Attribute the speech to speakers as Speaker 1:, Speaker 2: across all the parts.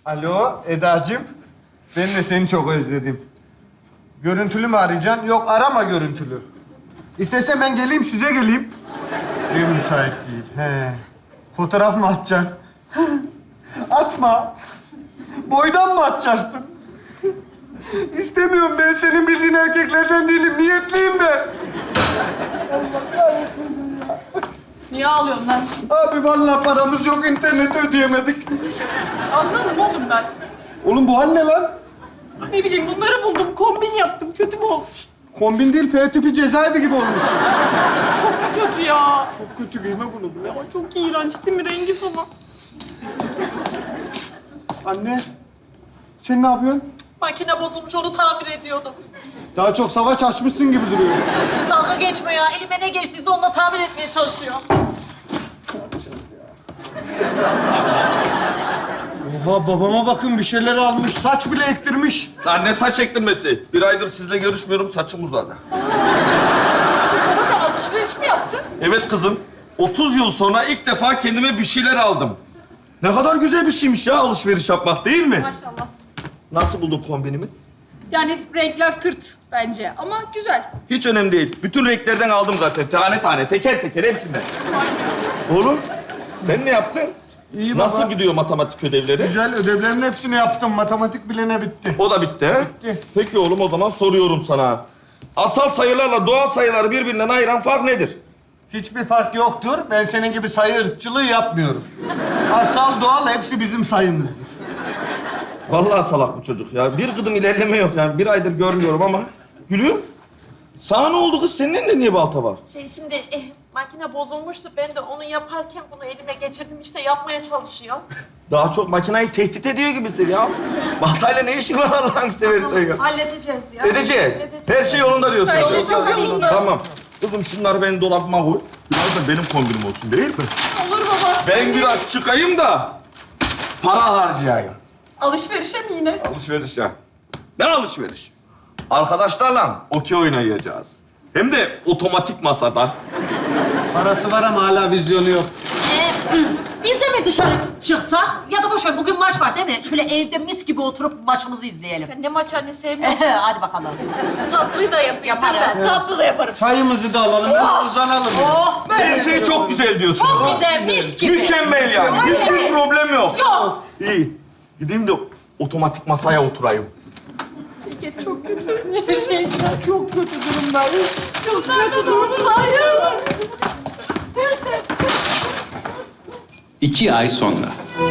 Speaker 1: Alo Edacığım. Ben de seni çok özledim. Görüntülü mü arayacaksın? Yok arama görüntülü. İstesem ben geleyim size geleyim. Ev müsait değil. He. Fotoğraf mı atacaksın? Atma. Boydan mı atacaktın? İstemiyorum ben senin bildiğin erkeklerden değilim. Niyetliyim ben.
Speaker 2: Niye ağlıyorsun lan?
Speaker 1: Abi vallahi paramız yok, interneti ödeyemedik.
Speaker 2: Anladım oğlum ben.
Speaker 1: Oğlum bu hal ne lan?
Speaker 2: Ne bileyim bunları buldum, kombin yaptım. Kötü mü olmuş?
Speaker 1: Kombin değil, F tipi cezaevi gibi olmuşsun.
Speaker 2: Çok mu kötü ya?
Speaker 1: Çok kötü, giyme bunu. Bu ne?
Speaker 2: Ama çok iğrenç değil mi rengi falan?
Speaker 1: Anne, sen ne yapıyorsun?
Speaker 2: Makine bozulmuş, onu tamir ediyordum.
Speaker 1: Daha çok savaş açmışsın gibi duruyor.
Speaker 2: Dalga geçme ya. Elime ne geçtiyse onunla tamir etmeye çalışıyorum.
Speaker 1: Oha, babama bakın bir şeyler almış, saç bile ektirmiş.
Speaker 3: Lan ne saç ektirmesi? Bir aydır sizle görüşmüyorum, saçım uzadı.
Speaker 2: Baba sen alışveriş mi yaptın?
Speaker 3: Evet kızım, 30 yıl sonra ilk defa kendime bir şeyler aldım. Ne kadar güzel bir şeymiş ya alışveriş yapmak, değil mi?
Speaker 2: Maşallah.
Speaker 3: Nasıl buldun kombinimi?
Speaker 2: Yani renkler tırt bence ama güzel.
Speaker 3: Hiç önemli değil. Bütün renklerden aldım zaten. Tane tane, teker teker hepsinden. Oğlum, sen ne yaptın?
Speaker 1: İyi baba.
Speaker 3: Nasıl gidiyor matematik ödevleri?
Speaker 1: Güzel, ödevlerin hepsini yaptım. Matematik bilene bitti.
Speaker 3: O da bitti, he?
Speaker 1: Bitti.
Speaker 3: Peki oğlum, o zaman soruyorum sana. Asal sayılarla doğal sayıları birbirinden ayıran fark nedir?
Speaker 1: Hiçbir fark yoktur. Ben senin gibi sayı ırkçılığı yapmıyorum. Asal, doğal hepsi bizim sayımızdır.
Speaker 3: Vallahi salak bu çocuk ya. Bir gıdım ilerleme yok yani. Bir aydır görmüyorum ama. Gülüm, sana ne oldu kız? Senin elinde niye balta var?
Speaker 2: Şimdi makine bozulmuştu. Ben de onu yaparken bunu elime geçirdim. İşte yapmaya çalışıyorum.
Speaker 3: Daha çok makinayı tehdit ediyor gibisin ya. Baltayla ne işin var Allah'ını seversen ya?
Speaker 2: Halledeceğiz ya.
Speaker 3: Edeceğiz. Her şey yolunda diyorsun.
Speaker 2: Her şey
Speaker 3: yani.
Speaker 2: tabii ki.
Speaker 3: Tamam. Kızım şunları benim dolabıma koy. Biraz da benim kombinim olsun değil mi?
Speaker 2: Olur baba.
Speaker 3: Ben biraz çıkayım da para harcayayım.
Speaker 2: Alışverişe mi yine?
Speaker 3: Alışveriş ya. Ne alışveriş? Arkadaşlarla okey oynayacağız. Hem de otomatik masada.
Speaker 1: Parası var ama hala vizyonu yok.
Speaker 4: Biz de mi dışarı çıksak? Ya da boş ver, bugün maç var değil mi? Şöyle evde mis gibi oturup maçımızı izleyelim.
Speaker 2: Ne maç anne sevmiyorum.
Speaker 4: Hadi bakalım.
Speaker 2: Tatlıyı da yaparım. Tatlı da yaparım.
Speaker 1: Çayımızı da alalım, biraz uzanalım.
Speaker 4: Oh,
Speaker 3: Her şey çok güzel diyorsun.
Speaker 4: çok güzel, mis gibi.
Speaker 3: Mükemmel yani. Hiçbir
Speaker 4: Evet.
Speaker 3: problem yok.
Speaker 4: Yok.
Speaker 3: İyi. Gideyim de otomatik masaya oturayım.
Speaker 2: Şirket çok kötü. Her şey
Speaker 1: Çok kötü durumdayız.
Speaker 2: çok kötü durumdayız.
Speaker 5: 2 ay sonra.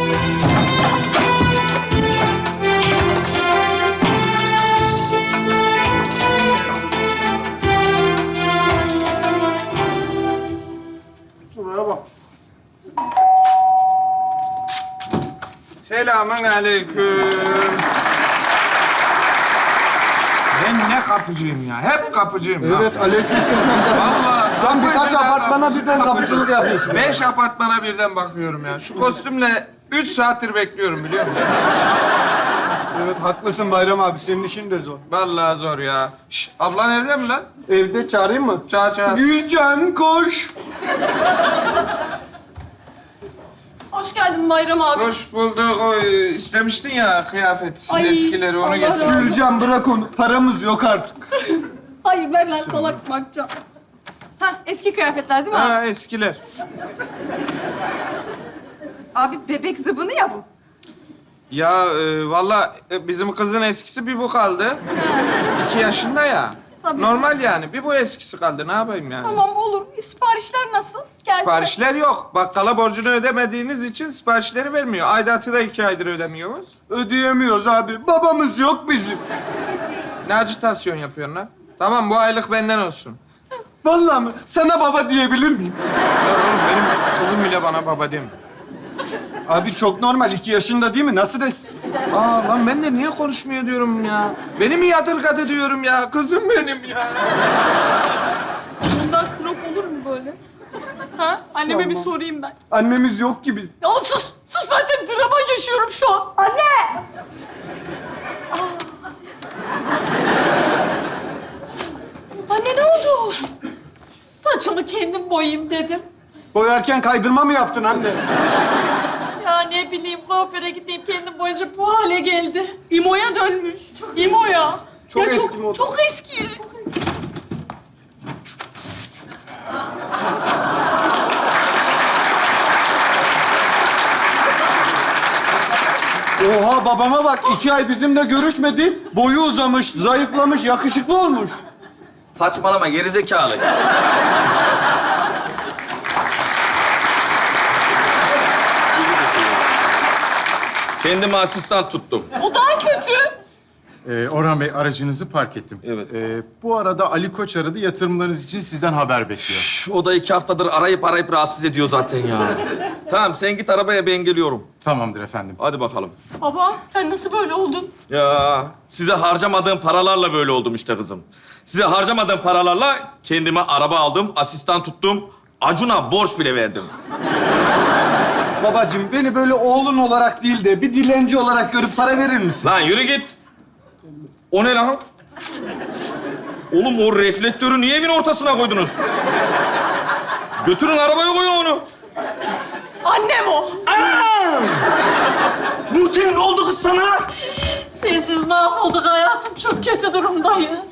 Speaker 1: Şuraya bak.
Speaker 6: Selamun aleyküm. Ben ne kapıcıyım ya? Hep kapıcıyım. ya.
Speaker 1: Evet, aleykümselam.
Speaker 6: Vallahi
Speaker 1: Sen birkaç
Speaker 6: kapıcı da
Speaker 1: apartmana
Speaker 6: kapıcı,
Speaker 1: birden kapıcılık yapıyorsun.
Speaker 6: 5 apartmana birden bakıyorum ya. Şu kostümle 3 saattir bekliyorum biliyor musun?
Speaker 1: Evet, haklısın Bayram abi. Senin işin de zor.
Speaker 6: Vallahi zor ya. Şş, ablan evde mi lan?
Speaker 1: Evde çağırayım mı?
Speaker 6: Çağır çağır.
Speaker 1: Gülcan koş.
Speaker 2: Hoş geldin Bayram abi.
Speaker 6: Hoş bulduk. O istemiştin ya kıyafet
Speaker 2: Ay,
Speaker 6: eskileri onu
Speaker 2: Allah
Speaker 6: getir.
Speaker 2: razı olsun.
Speaker 1: Gülcan bırak onu. Paramız yok artık.
Speaker 2: Hayır ver lan salak bakacağım. Ha eski kıyafetler değil mi abi?
Speaker 6: Ha eskiler.
Speaker 2: Abi bebek zıbını ya bu.
Speaker 6: Ya vallahi bizim kızın eskisi bir bu kaldı. 2 yaşında ya.
Speaker 2: Tabii.
Speaker 6: Normal yani. Bir bu eskisi kaldı. Ne yapayım yani?
Speaker 2: Tamam olur. Siparişler nasıl? Geldi mi?
Speaker 6: Siparişler yok. Bakkala borcunu ödemediğiniz için siparişleri vermiyor. Aidatı da 2 aydır ödemiyoruz.
Speaker 1: Ödeyemiyoruz abi. Babamız yok bizim.
Speaker 6: Ne acitasyon yapıyorsun lan? Tamam bu aylık benden olsun.
Speaker 1: Vallahi mi? Sana baba diyebilir miyim?
Speaker 6: Ya oğlum benim kızım bile bana baba demiyor.
Speaker 1: Abi çok normal. 2 yaşında değil mi? Nasıl desin?
Speaker 6: Aa lan ben de niye konuşmuyor diyorum ya. Beni mi yadırgadı diyorum ya. Kızım benim ya.
Speaker 2: Bundan krop olur mu böyle? Ha? Anneme bir sorayım ben.
Speaker 1: Annemiz yok ki biz.
Speaker 2: Ya oğlum sus! Sus zaten drama yaşıyorum şu an. Anne! Anne ne oldu? Saçımı kendim boyayayım dedim.
Speaker 1: Boyarken kaydırma mı yaptın anne?
Speaker 2: Ya ne bileyim kuaföre gideyim kendim boyunca bu hale geldi. İmo'ya dönmüş. İmo'ya.
Speaker 1: Çok
Speaker 2: Ya
Speaker 1: eski moda.
Speaker 2: Çok eski.
Speaker 1: Oha babama bak 2 ay bizimle görüşmedi. Boyu uzamış, zayıflamış, yakışıklı olmuş.
Speaker 3: Saçmalama gerizekalı. Kendime asistan tuttum.
Speaker 2: O daha kötü.
Speaker 7: Orhan Bey, aracınızı park ettim.
Speaker 3: Evet.
Speaker 7: Bu arada Ali Koç aradı, yatırımlarınız için sizden haber bekliyor.
Speaker 3: O da 2 haftadır arayıp rahatsız ediyor zaten ya. Tamam sen git arabaya ben geliyorum.
Speaker 7: Tamamdır efendim.
Speaker 3: Hadi bakalım.
Speaker 2: Baba sen nasıl böyle oldun?
Speaker 3: Ya size harcamadığım paralarla böyle oldum işte kızım. Size harcamadığım paralarla kendime araba aldım, asistan tuttum. Acun'a borç bile verdim.
Speaker 1: Babacığım beni böyle oğlun olarak değil de bir dilenci olarak görüp para verir misin?
Speaker 3: Lan yürü git. O ne lan? Oğlum o reflektörü niye evin ortasına koydunuz? Götürün arabaya koyun onu.
Speaker 2: Annem o.
Speaker 3: Nurten ne oldu kız sana?
Speaker 2: Sensiz mahvolduk hayatım. Çok kötü durumdayız.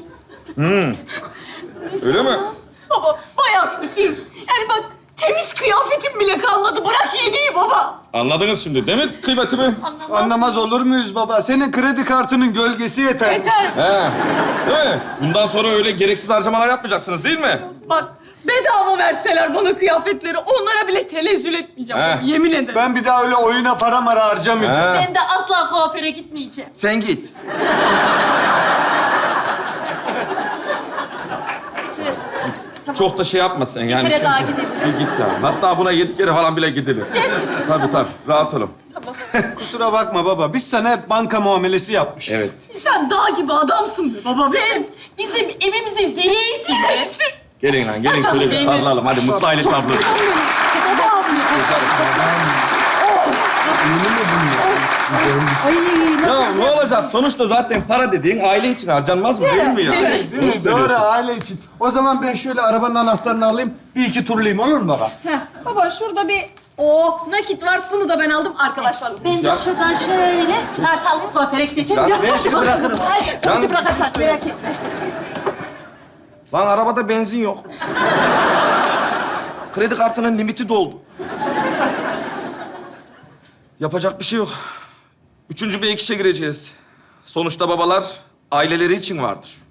Speaker 3: Öyle mi?
Speaker 2: Baba bayağı kötüyüz. Yani bak temiz kıyafetim bile kalmadı. Bırak yediği baba.
Speaker 3: Anladınız şimdi değil mi kıymetimi?
Speaker 1: Anlamaz olur muyuz baba? Senin kredi kartının gölgesi yeter.
Speaker 2: Yeter.
Speaker 3: He. Değil mi? Bundan sonra öyle gereksiz harcamalar yapmayacaksınız değil mi?
Speaker 2: Bak bedava verseler bana kıyafetleri onlara bile tenezzül etmeyeceğim.
Speaker 3: He.
Speaker 2: Baba, yemin ederim.
Speaker 1: Ben bir daha öyle oyuna para mara harcamayacağım.
Speaker 3: He.
Speaker 4: Ben de asla kuaföre gitmeyeceğim.
Speaker 3: Sen git. Çok da şey yapma sen yani.
Speaker 2: kere daha gidelim.
Speaker 3: Bir git ya. Hatta buna 7 kere falan bile gidilir. Gerçekten. Tabii. Rahat olun.
Speaker 1: Kusura bakma baba. Biz sana hep banka muamelesi yapmışız.
Speaker 3: Evet.
Speaker 2: Sen dağ gibi adamsın be baba.
Speaker 4: Sen bizim evimizin direğisin be.
Speaker 3: Gelin lan gelin şöyle bir
Speaker 2: benim.
Speaker 3: sarılalım. Hadi mutlu aile tablosu. Ya ne olacak? Sonuçta zaten para dediğin aile için harcanmaz mı değil mi ya?
Speaker 1: Değil mi? Doğru aile için. O zaman ben şöyle arabanın anahtarını alayım. Bir iki turlayayım olur mu baba?
Speaker 2: Baba şurada bir nakit var. Bunu da ben aldım arkadaşlarla.
Speaker 4: Ben de şuradan şöyle kart alayım kuaföre gideceğim.
Speaker 3: Ya,
Speaker 1: Ben sizi bırakırım.
Speaker 2: Bizi bırakırlar merak etme.
Speaker 3: Lan arabada benzin yok. Kredi kartının limiti doldu. Yapacak bir şey yok. 3. bir ek işe gireceğiz. Sonuçta babalar aileleri için vardır.